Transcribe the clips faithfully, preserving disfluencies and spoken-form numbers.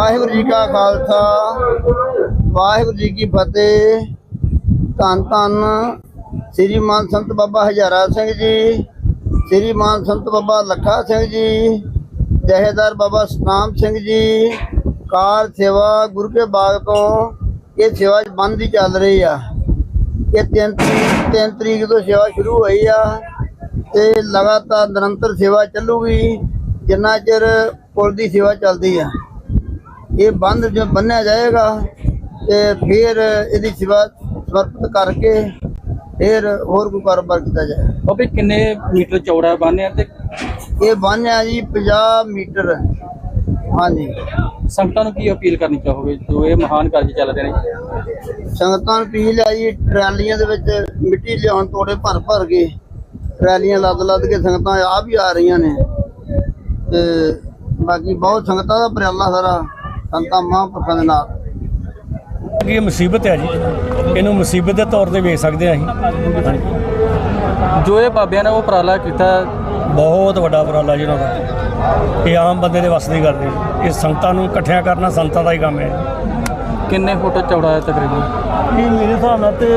वाहिगुरू जी का खालसा वाहिगुरू जी की फतेह। धन धन श्रीमान संत बाबा हजारा सिंह जी, श्रीमान संत बाबा लखा सिंह जी, जहेदार बाबा सतनाम सिंह जी। कार सेवा गुरु के बाग तो ये सेवा बंद ही चल रही है। ये तीन तरीक तीन तरीक तो सेवा शुरू हुई है, लगातार निरंतर सेवा चलूगी जिन्ना चिर पुल की सेवा चलती है। ये बंद जो बन्या जाएगा तो फिर यदि सेवा समर्पित करके फिर होर कोई कारोबार किया जाए। बाबे किन्ने मीटर चौड़ा बन है? ये बन है जी पचास मीटर। हाँ जी। संगतां नूं की अपील करनी चाहोगे जो ये महान कार्य चल रहे हैं? संगतां नूं अपील है जी ट्रैलियां दे विच मिट्टी लियाउण तोड़े भर भर के ट्रैलियां लद लद के संगतां आ भी आ रही ने ते बाकी बहुत संगतां दा उपराला सारा संतां महापुरखां दे नाल। ये मुसीबत है जी, इनू मुसीबत के तौर पर वेख सकते हैं असीं। जो ये बाबिया ने वो उपराला किया बहुत बड़ा उपराला जी उन्होंने का। ये आम बंदे दे वस दी गल नहीं, ये संगतां नूं इकट्ठियां करना संतां दा ही काम है। किन्ने फुट चौड़ा है तकरीबन? ये मेरे हिसाब नाल ते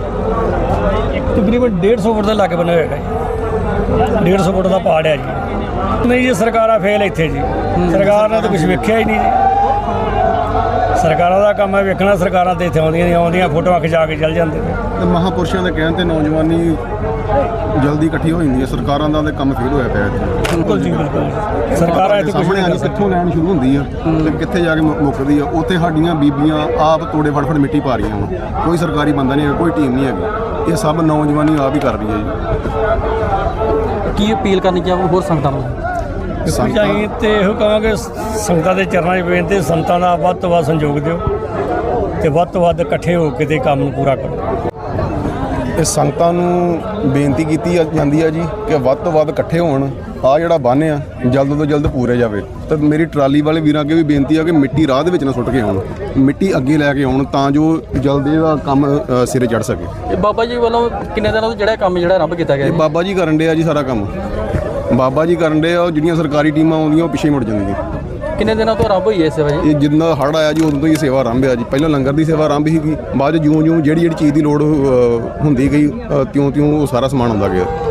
तकरीबन डेढ़ सौ फुट के लागे बने हुए जी, डेढ़ सौ फुट का पहाड़ है जी। नहीं जी सरकारां फेल इत्थे जी, सरकार ने तो कुछ वेख्या ही नहीं जी। सरकारों का काम है वेखना, सरकारां ते इत्थे आउंदियां नहीं, आउंदियां फोटोआं खिचा के चल जाते हैं। महापुरुषों के कहने ते नौजवानी जल्दी इकट्ठी हो जाती है, सरकारों का काम फेल होया पिया इत्थे। बिल्कुल जी बिल्कुल, सरकारां इत्थे कुछ नहीं कर सकदियां। कित्थों लैन शुरू होंदी है ते कित्थे जाके मुक्कदी है। उत्थे साडीਆਂ बीबियां आप तोड़े फड़ फड़ मिट्टी पा रही हैं, कोई सरकारी बंदा नहीं है, कोई टीम नहीं है। ये सब नौजवानी आप ही कर रही है जी। की अपील करनी चाहो होर संगतां नूं? ਅਸੀਂ ਤੇ ਇਹੋ ਕਹਾਂਗੇ ਸੰਗਤਾਂ ਦੇ ਚਰਨਾਂ 'ਚ ਬੇਨਤੀ, ਸੰਤਾਂ ਦਾ ਵੱਧ ਤੋਂ ਵੱਧ ਸੰਯੋਗ ਦਿਓ ਤੇ ਵੱਧ ਤੋਂ ਵੱਧ ਇਕੱਠੇ ਹੋ ਕੇ ਤੇ ਕੰਮ ਨੂੰ ਪੂਰਾ ਕਰੋ। ਇਹ ਸੰਗਤਾਂ ਨੂੰ ਬੇਨਤੀ ਕੀਤੀ ਜਾਂਦੀ ਹੈ ਜੀ ਕਿ ਵੱਧ ਤੋਂ ਵੱਧ ਇਕੱਠੇ ਹੋਣ, ਆ ਜਿਹੜਾ ਬੰਨ੍ਹ ਆ ਜਲਦ ਤੋਂ ਜਲਦ ਪੂਰੇ ਜਾਵੇ। ਤਾਂ ਮੇਰੀ ਟਰਾਲੀ ਵਾਲੇ ਵੀਰਾਂ ਅੱਗੇ ਵੀ ਬੇਨਤੀ ਆ ਕਿ ਮਿੱਟੀ ਰਾਹ ਦੇ ਵਿੱਚ ਨਾ ਸੁੱਟ ਕੇ ਆਉਣ, ਮਿੱਟੀ ਅੱਗੇ ਲੈ ਕੇ ਆਉਣ ਤਾਂ ਜੋ ਜਲਦ ਇਹਦਾ ਕੰਮ ਅ, ਸਿਰੇ ਚੜ੍ਹ ਸਕੇ। ਇਹ ਬਾਬਾ ਜੀ ਵੱਲੋਂ ਕਿੰਨੇ ਦਿਨਾਂ ਤੋਂ ਜਿਹੜਾ ਕੰਮ ਜਿਹੜਾ ਆਰੰਭ ਕੀਤਾ ਗਿਆ? ਇਹ ਬਾਬਾ ਜੀ ਕਰਨ ਡਿਆ ਜੀ ਸਾਰਾ ਕੰਮ, ਬਾਬਾ ਜੀ ਕਰਨ ਡੇ ਆ। ਜਿਹੜੀਆਂ ਸਰਕਾਰੀ ਟੀਮਾਂ ਆਉਂਦੀਆਂ ਉਹ ਪਿੱਛੇ ਮੁੜ ਜਾਂਦੀਆਂ। ਕਿੰਨੇ ਦਿਨਾਂ ਤੋਂ ਆਰੰਭ ਹੋਈ ਹੈ ਸੇਵਾ ਜੀ? ਇਹ ਜਿੰਨਾ ਹੜ੍ਹ ਆਇਆ ਜੀ ਉਦੋਂ ਤੋਂ ਹੀ ਸੇਵਾ ਆਰੰਭ ਆ ਜੀ। ਪਹਿਲਾਂ ਲੰਗਰ ਦੀ ਸੇਵਾ ਆਰੰਭ ਸੀਗੀ, ਬਾਅਦ 'ਚ ਜਿਉਂ ਜਿਉਂ ਜਿਹੜੀ ਜਿਹੜੀ ਚੀਜ਼ ਦੀ ਲੋੜ ਅ, ਹੁੰਦੀ ਗਈ ਤਿਉਂ ਤਿਉਂ ਉਹ ਸਾਰਾ ਸਮਾਨ ਆਉਂਦਾ ਗਿਆ।